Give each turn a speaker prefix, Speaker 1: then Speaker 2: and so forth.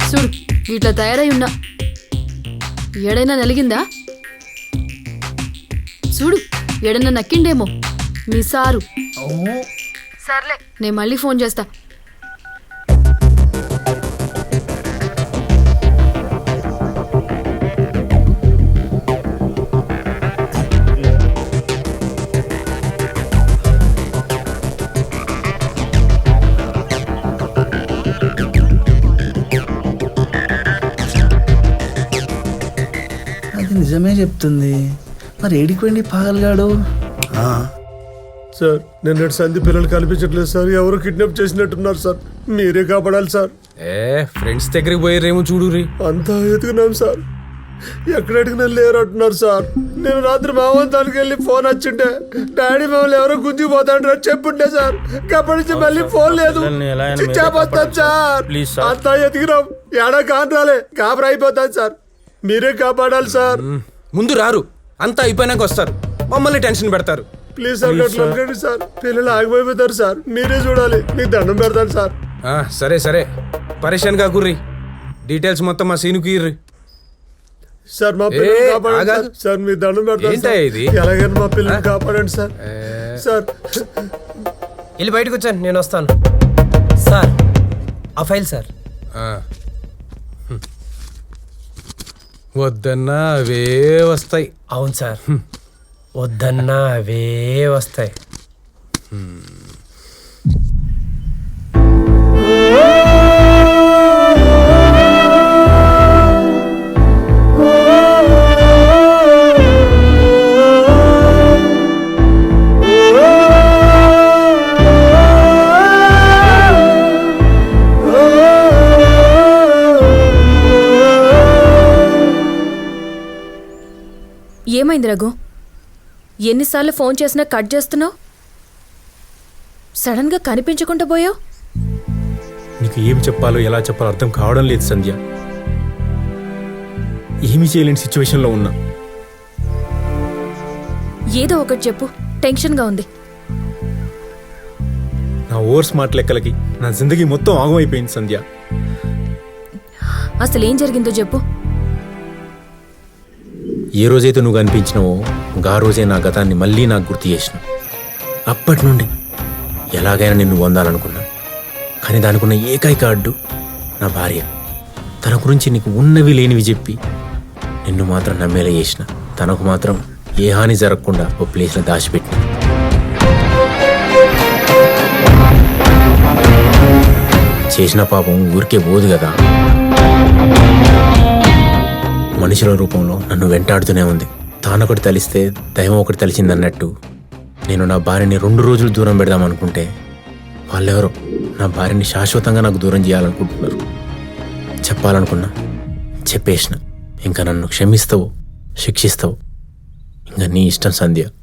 Speaker 1: చూడు ఇట్లా తయారై ఉన్నా, ఏడైనా నలిగిందా? చూడు ఏడైనా నక్కిండేమో మీ సారు. సర్లే నేను మళ్ళీ ఫోన్ చేస్తా.
Speaker 2: అది నిజమే చెప్తుంది. మరి ఏడిపోయింది పాగలగాడు?
Speaker 3: సార్ నిన్నటి సంధి పిల్లలు కనిపించట్లేదు సార్, ఎవరు కిడ్నాప్ చేసినట్టున్నారు సార్, మీరే కాపాడాలి సార్.
Speaker 4: ఫ్రెండ్స్ దగ్గరికి పోయారేమో చూడు రీ.
Speaker 3: అంతా ఎదుగున్నాం సార్, ఎక్కడ అడిగినా లేరు అంటున్నారు సార్. నేను రాత్రి మావంతానికి వెళ్ళి ఫోన్ వచ్చింటే డాడీ మమ్మల్ని ఎవరో గుంజిపోతాడు చెప్పుంటే సార్, అప్పటి నుంచి మళ్ళీ ఫోన్ లేదు. చిచ్చాపోతాను సార్, అంతా ఎదిగినాం, ఏడా కాని రాలే, కాపర అయిపోతాను సార్, మీరే కాపాడాలి సార్.
Speaker 4: ముందు రారు, అంతా అయిపోయినాక వస్తారు, మమ్మల్ని టెన్షన్ పెడతారు.
Speaker 3: ప్లీజ్ సార్ అట్లా సార్, పిల్లలు ఆగిపోతారు సార్, మీరే చూడాలి, మీకు దండం పెడతాను సార్.
Speaker 4: సరే సరే పరేషాన్ కాకుర్రి, డీటెయిల్స్ మొత్తం మా సీనుకి ఇర్రి.
Speaker 3: సార్ మా పిల్లల్ని కాపాడండి సార్, మీ దండం పెడతాను.
Speaker 4: ఇది
Speaker 3: ఎలాగైనా మా పిల్లల్ని కాపాడండి సార్. సార్
Speaker 5: వెళ్ళి బయటకు వచ్చాను, నేను వస్తాను సార్. ఆ ఫైల్ సార్.
Speaker 4: వద్దన్నా అవే వస్తాయి.
Speaker 5: అవును సార్, వద్దన్నా అవే వస్తాయి.
Speaker 1: ఏమైంది రఘు? ఎన్నిసార్లు ఫోన్ చేసినా కట్ చేస్తున్నావు? సడన్ గా కనిపించకుండా పోయావు.
Speaker 6: నీకు ఏం చెప్పాలో ఎలా చెప్పాలో అర్థం కావడం లేదు సంధ్య. ఏమీ చేయలేని సిచ్యువేషన్లో ఉన్నా.
Speaker 1: ఏదో ఒకటి చెప్పు, టెన్షన్గా ఉంది.
Speaker 6: నా ఓవర్ స్మార్ట్ లెక్కలకి నా జిందగీ మొత్తం ఆగమైపోయింది సంధ్య.
Speaker 1: అసలు ఏం జరిగిందో చెప్పు.
Speaker 6: ఏ రోజైతే నువ్వు కనిపించినావో ఆ రోజే నా గతాన్ని మళ్ళీ నాకు గుర్తు చేసినావు. అప్పటి నుండి ఎలాగైనా నిన్ను పొందాలనుకున్నా, కానీ దానికున్న ఏకైక అడ్డు నా భార్య. తన గురించి నీకు ఉన్నవి లేనివి చెప్పి నిన్ను మాత్రం నమ్మేలా చేసిన, తనకు మాత్రం ఏ హాని జరగకుండా ఓ ప్లేస్లో దాచిపెట్టిన. చేసిన పాపం ఊరికే పోదు కదా, మనుషుల రూపంలో నన్ను వెంటాడుతూనే ఉంది. తానొకటి తలిస్తే దైవం ఒకటి తలిచిందన్నట్టు నేను నా భార్యని 2 రోజులు దూరం పెడదామనుకుంటే వాళ్ళెవరో నా భార్యని శాశ్వతంగా నాకు దూరం చేయాలనుకుంటున్నారు. చెప్పాలనుకున్నా, చెప్పేసిన. ఇంకా నన్ను క్షమిస్తావో శిక్షిస్తావో ఇంకా నీ ఇష్టం సంధ్య.